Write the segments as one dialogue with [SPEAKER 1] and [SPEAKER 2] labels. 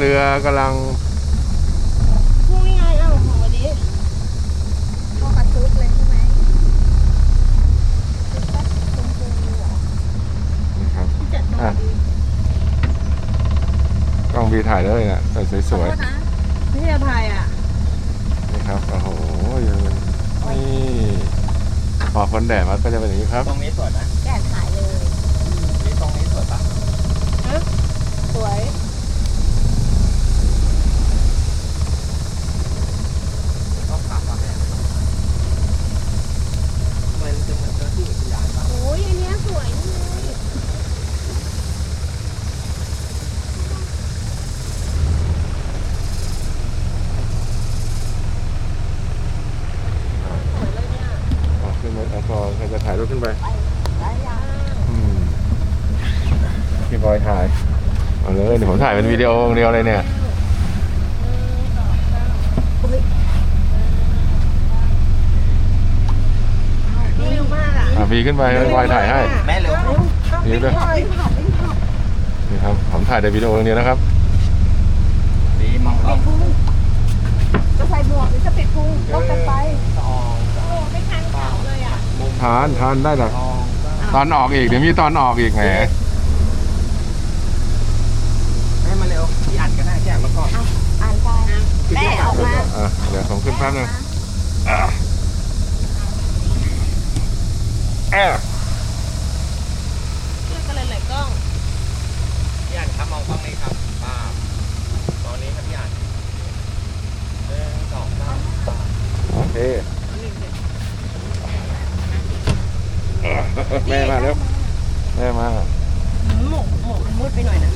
[SPEAKER 1] เรือกำลัง
[SPEAKER 2] พรุ่งนี้ไงเอ้าของวันนี้พอกระชุดเลยใช่ไหมชุดก็ชมพูเหรอ
[SPEAKER 1] นี่ครับ
[SPEAKER 2] ที่จัดตรงดี
[SPEAKER 1] กล้องบีถ่ายเลยเนี่ยสวย
[SPEAKER 2] นะไม่ใช่พายอ่ะ
[SPEAKER 1] ๆนี่ครับโอ้โหนี่พอคนแดดมันก็จะเป็นอย่างนี้ครับ
[SPEAKER 3] ตรงนี้สวยไหม
[SPEAKER 2] แกะขายเลย
[SPEAKER 3] นี่ตรงนี้สวยปะ
[SPEAKER 2] สวย
[SPEAKER 3] ต้องถามว่าแม่มันจะเหมือนเจ้าที่อุทยานปะ
[SPEAKER 2] โอ้ยอันเนี้ยสวยนี่เลย สวยเลยเนี่ย
[SPEAKER 1] ขึ้นไปพอใครจะถ่ายรูปขึ้นไป
[SPEAKER 2] ได้ยัง
[SPEAKER 1] พี่บอยถ่ายเอาเลยเดี๋ยวผมถ่ายเป็นวิดีโอเดียวเลยเนี่ย
[SPEAKER 2] เร็วมากอ่ะ
[SPEAKER 1] บีขึ้นไปพี่บอยถ่ายให้
[SPEAKER 3] แม่เร็ว
[SPEAKER 1] นี่ด้วยนี่ครับผมถ่ายในวิดีโออย่างเดียวนะครับ
[SPEAKER 3] ดีมองกล้อง
[SPEAKER 2] จะใส่หมวกหรือจะปิดพุงลบกันไป
[SPEAKER 3] สอง
[SPEAKER 2] โอ้ไม่ทันเขาเลยอ่ะ
[SPEAKER 1] ทานได้หรอ
[SPEAKER 3] สอง
[SPEAKER 1] ตอนออกอีกเดี๋ยวมีตอนออกอีกแหม
[SPEAKER 3] แม่มาเร็วพี่อ่านก็ได้แจกแล้วก็
[SPEAKER 2] อ่านไปแม่ออกมา
[SPEAKER 1] เดี๋ยวผมขึ้นแป๊บนึงแอบ
[SPEAKER 2] ช่วยกันเลยหลายกล้อง
[SPEAKER 3] พี่อ่านครับมองกล้องนี้ครับป้าตอนนี้ครับพี่อ่านสองสาม
[SPEAKER 1] โอเคแม่มาแล้วแม่มา
[SPEAKER 2] หมกมันมืดไปหน่อยนะแม่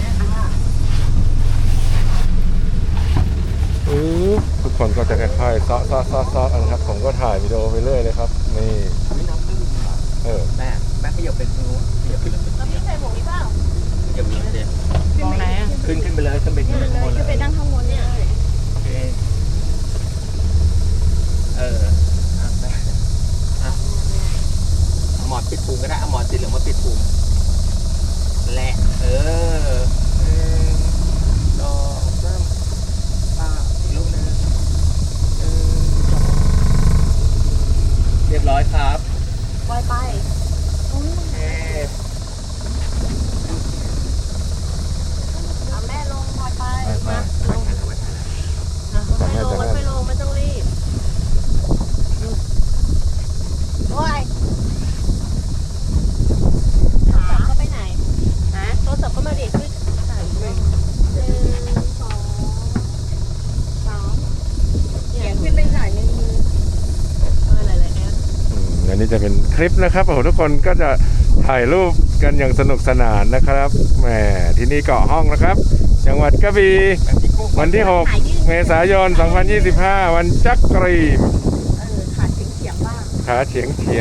[SPEAKER 1] ทุกคนก็จะค่อยๆซ้อกันครับผมก็ถ่ายวิดีโอไปเรื่อยเลยครับนี่
[SPEAKER 3] ไม่น้ำตื้นแม่ขยับเป็นนู้นขยับขึ้น
[SPEAKER 2] แล้วพี่ใส่หมวกนี้เปล่า
[SPEAKER 3] ขยับขึ้นเดียว
[SPEAKER 2] มองไหนอ่ะ
[SPEAKER 3] ขึ้นไปเลยขึ้นไปข้างบนเล
[SPEAKER 2] จะไป
[SPEAKER 3] ย
[SPEAKER 2] นั่งข้างบนเนี่ย
[SPEAKER 3] โอเคเอาหมอนปิดพุงก็ได้เอาหมอนสีเหลืองมาปิดพุงแหละดอกเริ่มอีกลูกนึงเรียบร้อยครับ
[SPEAKER 2] ปล่อยไปเอาแม่ลงปล่อยไปมาลงค่อยลงค่อยลงไม่ต้องรีบโอ้ยโทรศัพท์ก็ไปไหนฮะโทรศัพท์ก็มาเด็ดขึ้น1 2 3เขียนขึ้นไปถ่ายในมือหลายๆแอป
[SPEAKER 1] อันนี้จะเป็นคลิปนะครับโอ้โหทุกคนก็จะถ่ายรูปกันอย่างสนุกสนานนะครับแหมที่นี่เกาะห้องนะครับ จังหวัดกระบี่วันที่ 6 เมษายน 2025 วันจักรีม
[SPEAKER 2] ขาเฉียงบ้าง
[SPEAKER 1] ขาเฉียงนี่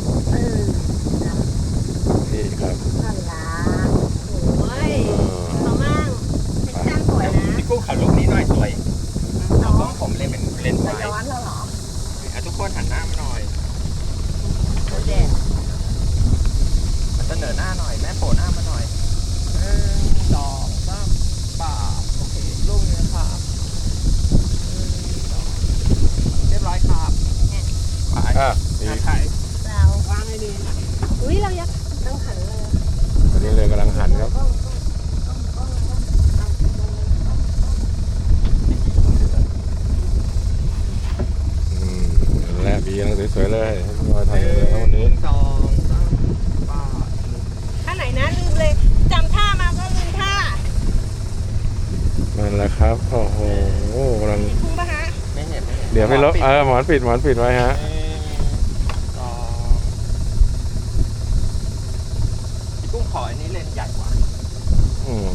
[SPEAKER 1] ครับ
[SPEAKER 2] นั่นละโอ้ยเขามั่งเป็นช่างสวยนะ
[SPEAKER 3] พี่กุ้งขอรูปนี้หน่อยสวยเอากล้องผมเล่นเป็นเลนส์ไว้
[SPEAKER 2] ย้อนแล้วเหรอ
[SPEAKER 3] ทุกคนหันหน้ามาหน่อย
[SPEAKER 2] แดด
[SPEAKER 3] เสนอหน้าหน่อยแม่โผล่หน้ามาหน่อยดอกซ้ำป่าโอเคลูกนี้ครับเรียบร้อยครับไปถ่าย
[SPEAKER 2] เราวางให้ดีอุ้ยเรายักต้องหันเลย
[SPEAKER 1] ตอนนี้เลยกำลังหันครับและบีกำลังสวยๆเลยให้พี่บอยถ่ายเลยครับวันนี้
[SPEAKER 3] สองสามป่า
[SPEAKER 2] ท่าไหนนะลืมเลยจำท่ามาก็ลืมท่า
[SPEAKER 1] นั่นแหละครับโอ้โหกำลัง
[SPEAKER 2] คุ้มปะฮะ
[SPEAKER 3] ไม่เห็น
[SPEAKER 1] เดี๋ยวไม่ลบหมอนปิดไว้ฮะ
[SPEAKER 3] พี่กุ้งขออันนี้เลนส์ใหญ่กว่า
[SPEAKER 1] อืม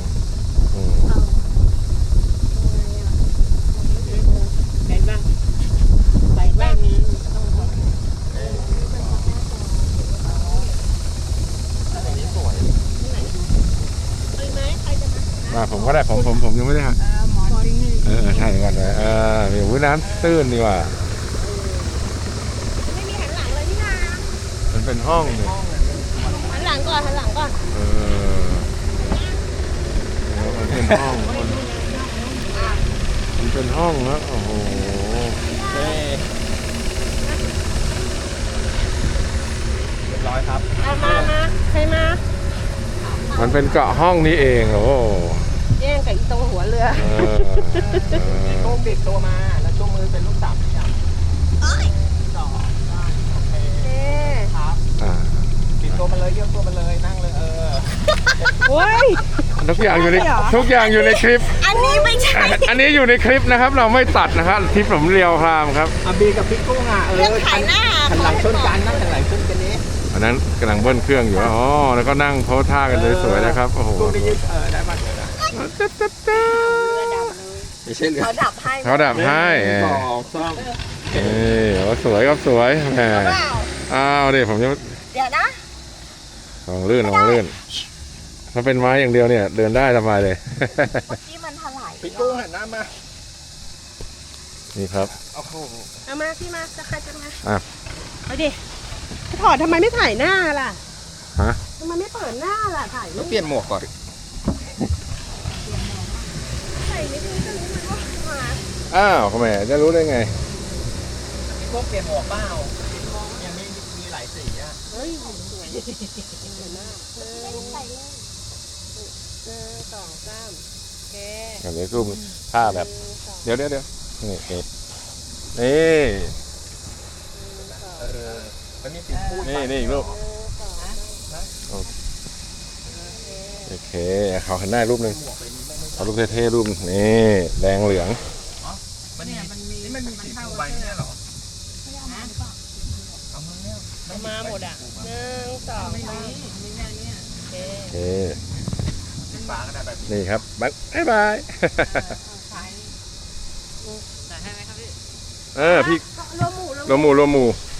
[SPEAKER 2] เห็นป่ะใส่แว่นนี้
[SPEAKER 3] อันนี้สวย
[SPEAKER 2] เลยไหมใครจะมา
[SPEAKER 1] ผมก็ได้ผมยังไม่ได้ฮะ
[SPEAKER 2] หมอนจริงเลย
[SPEAKER 1] ใช่กันเลยมีวุ้นน้ำตื้นดีกว่า
[SPEAKER 2] ไม่มีหันหลังเลยพี่นา
[SPEAKER 1] มันเป็นห้องเนี่ย
[SPEAKER 2] หันหลังก่อนหันหลังก่อน
[SPEAKER 1] มันเป็นห้องเป็นห้องนะโอ้โห
[SPEAKER 3] เฮ้ยเรียบร้อยครับ
[SPEAKER 2] มาใครมา
[SPEAKER 1] มันเป็นเกาะห้องนี้เองโอ้
[SPEAKER 2] แย่งกับอีตรงหัวเรือ
[SPEAKER 1] เออ
[SPEAKER 3] ลูกบิดตัวมาแล้วช่วงมือเป็นลูกสามอย่างสองโอเค
[SPEAKER 2] เอ๊ะ
[SPEAKER 3] ครับ
[SPEAKER 1] อ่า
[SPEAKER 3] บิดตัวมาเลยเยี่ยมตัวมาเลยนั่งเลย
[SPEAKER 2] โอ้ย
[SPEAKER 1] ทุกอย่างอยู่ในทุกอย่างอยู่ในคลิป
[SPEAKER 2] อันนี้ไม่ใช่
[SPEAKER 1] อันนี้อยู่ในคลิปนะครับ เราไม่ตัดนะครับคลิปผมเรียวครามครับ
[SPEAKER 3] อาบีกับพี่กุ้งอ่ะ
[SPEAKER 2] เรื่องขายหน้า
[SPEAKER 3] หันหลังชนกันนั่งหันหลังชนกันนี้
[SPEAKER 1] อันนั้นกำลังเบิ้ลเครื่องอยู่อ๋อแล้วก็นั่งโพสท่ากันสวยๆนะครับโอ้โห
[SPEAKER 3] กุ้งได้ยึดได้มาเถอะนะไม่ใช่เรือ
[SPEAKER 2] เขาดับให้
[SPEAKER 1] เขาดับให้
[SPEAKER 3] สองสาม
[SPEAKER 1] โอ้สวยครับสวยแหม
[SPEAKER 2] เปล่า
[SPEAKER 1] อ้าวเดี๋ยวผมจะ
[SPEAKER 2] เดี๋ยวนะ
[SPEAKER 1] ลองลื่นถ้าเป็นไม้อย่างเดียวเนี่ยเดินได้สบายเลย
[SPEAKER 2] เมื่อกี้มันถลาย
[SPEAKER 3] พี่กุ้งหันหน้ามา
[SPEAKER 1] นี่ครับ
[SPEAKER 3] โอ้โห
[SPEAKER 2] เอามาพี่มาจะใครจะมา
[SPEAKER 1] อ่ะ
[SPEAKER 2] เอาดิถอดทำไมไม่ถ่ายหน้าล่ะ
[SPEAKER 1] ฮะ
[SPEAKER 2] ทำไมไม่เปิดหน้าล่ะถ่ายรู
[SPEAKER 3] ต้อง
[SPEAKER 2] ป
[SPEAKER 3] เปลี่ยนหมวกก่อน
[SPEAKER 2] ใส่นิดนึงก็รู้มันว่ามา
[SPEAKER 1] อ้าวแหมจะรู้ได้ไง
[SPEAKER 3] พี่กุ้งเปลี่ยนหมวกเปล่ายังมีหลายสีอ่ะ
[SPEAKER 2] เฮ้ยสวยสวยมากหนึ่งสองสามโอเค
[SPEAKER 1] อย่างนี้รูปท่าแบบ เดี๋ยวนี่นี่
[SPEAKER 3] มันมีสีพูด
[SPEAKER 1] นี่อีกรูปโอเคเขาหันหน้ารูปหนึ่งเอารูปเท่ๆรูปนี่แดงเหลือง
[SPEAKER 3] มันมีสีฟูใบเนี่ยเหรอเอามาเนี่ย
[SPEAKER 2] เอามาหมดอ่ะหนึ่งสองสามโอเค
[SPEAKER 1] โอเค
[SPEAKER 3] สีฟ้าก็ได้แบบ
[SPEAKER 1] นี่ครับบ๊ายบาย
[SPEAKER 2] ใส่ให้ไหมครับพี่
[SPEAKER 1] พี่
[SPEAKER 2] รวมหมู่
[SPEAKER 1] รวมหมู่